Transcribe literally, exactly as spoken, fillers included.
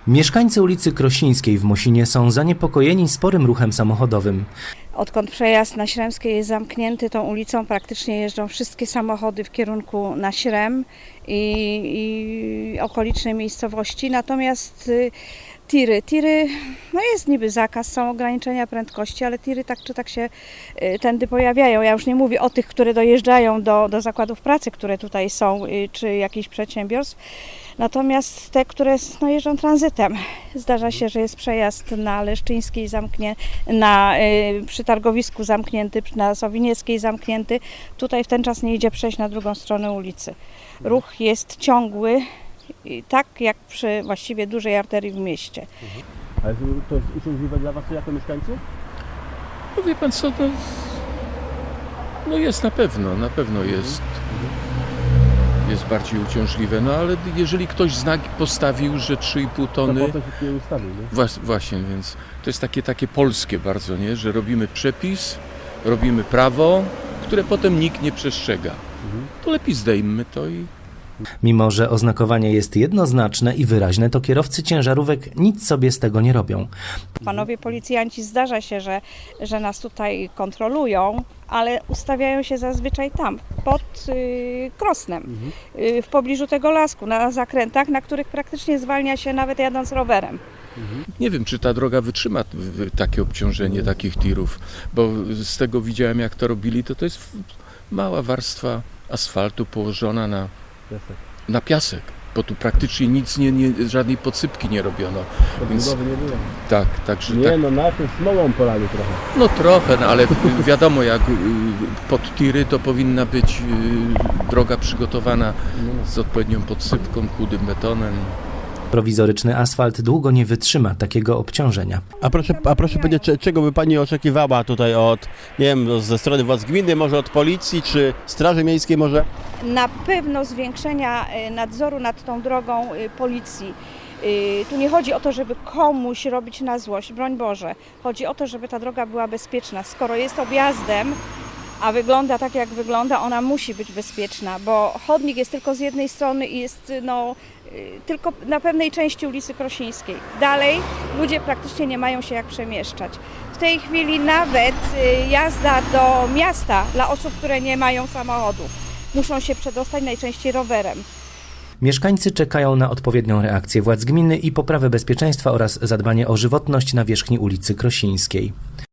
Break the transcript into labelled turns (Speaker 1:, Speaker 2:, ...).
Speaker 1: Mieszkańcy ulicy Krosińskiej w Mosinie są zaniepokojeni sporym ruchem samochodowym.
Speaker 2: Odkąd przejazd na Śremskiej jest zamknięty, tą ulicą praktycznie jeżdżą wszystkie samochody w kierunku na Śrem i, i okoliczne miejscowości. Natomiast y, tiry, tiry, no jest niby zakaz, są ograniczenia prędkości, ale tiry tak czy tak się y, tędy pojawiają. Ja już nie mówię o tych, które dojeżdżają do, do zakładów pracy, które tutaj są, y, czy jakichś przedsiębiorstw. Natomiast te, które no, jeżdżą tranzytem. Zdarza się, że jest przejazd na Leszczyńskiej zamknięty, na, y, przy targowisku zamknięty, na Sowinieckiej zamknięty. Tutaj w ten czas nie idzie przejść na drugą stronę ulicy. Ruch jest ciągły, i tak jak przy właściwie dużej arterii w mieście.
Speaker 3: Ale to jest uciążliwe dla Was jako mieszkańców?
Speaker 4: No wie pan co, no, no jest na pewno, na pewno jest. Jest bardziej uciążliwe, no ale jeżeli ktoś znak postawił, że trzy i pół tony...
Speaker 3: To po to się nie ustawił, nie?
Speaker 4: Włas, właśnie, więc to jest takie, takie polskie bardzo, nie? Że robimy przepis, robimy prawo, które potem nikt nie przestrzega. Mhm. To lepiej zdejmmy to i...
Speaker 1: Mimo że oznakowanie jest jednoznaczne i wyraźne, to kierowcy ciężarówek nic sobie z tego nie robią.
Speaker 2: Panowie policjanci, zdarza się, że, że nas tutaj kontrolują, ale ustawiają się zazwyczaj tam, pod y, Krosnem, mhm. y, w pobliżu tego lasku, na zakrętach, na których praktycznie zwalnia się nawet jadąc rowerem.
Speaker 4: Mhm. Nie wiem, czy ta droga wytrzyma takie obciążenie takich tirów, bo z tego widziałem, jak to robili, to to jest mała warstwa asfaltu położona na
Speaker 3: Piasek.
Speaker 4: Na piasek, bo tu praktycznie nic, nie, nie, żadnej podsypki nie robiono.
Speaker 3: Więc, nie było.
Speaker 4: Tak, także
Speaker 3: Nie,
Speaker 4: tak,
Speaker 3: no najpierw smolą polali trochę.
Speaker 4: no trochę, no, ale wiadomo, jak pod tiry to powinna być droga przygotowana z odpowiednią podsypką, chudym betonem.
Speaker 1: Prowizoryczny asfalt długo nie wytrzyma takiego obciążenia.
Speaker 3: A proszę, a proszę powiedzieć, czego by Pani oczekiwała tutaj od, nie wiem, ze strony władz gminy, może od policji, czy Straży Miejskiej może?
Speaker 2: Na pewno zwiększenia nadzoru nad tą drogą policji. Tu nie chodzi o to, żeby komuś robić na złość, broń Boże. Chodzi o to, żeby ta droga była bezpieczna. Skoro jest objazdem, a wygląda tak, jak wygląda, ona musi być bezpieczna, bo chodnik jest tylko z jednej strony i jest no, tylko na pewnej części ulicy Krosińskiej. Dalej ludzie praktycznie nie mają się jak przemieszczać. W tej chwili nawet jazda do miasta dla osób, które nie mają samochodów, muszą się przedostać najczęściej rowerem.
Speaker 1: Mieszkańcy czekają na odpowiednią reakcję władz gminy i poprawę bezpieczeństwa oraz zadbanie o żywotność na wierzchni ulicy Krosińskiej.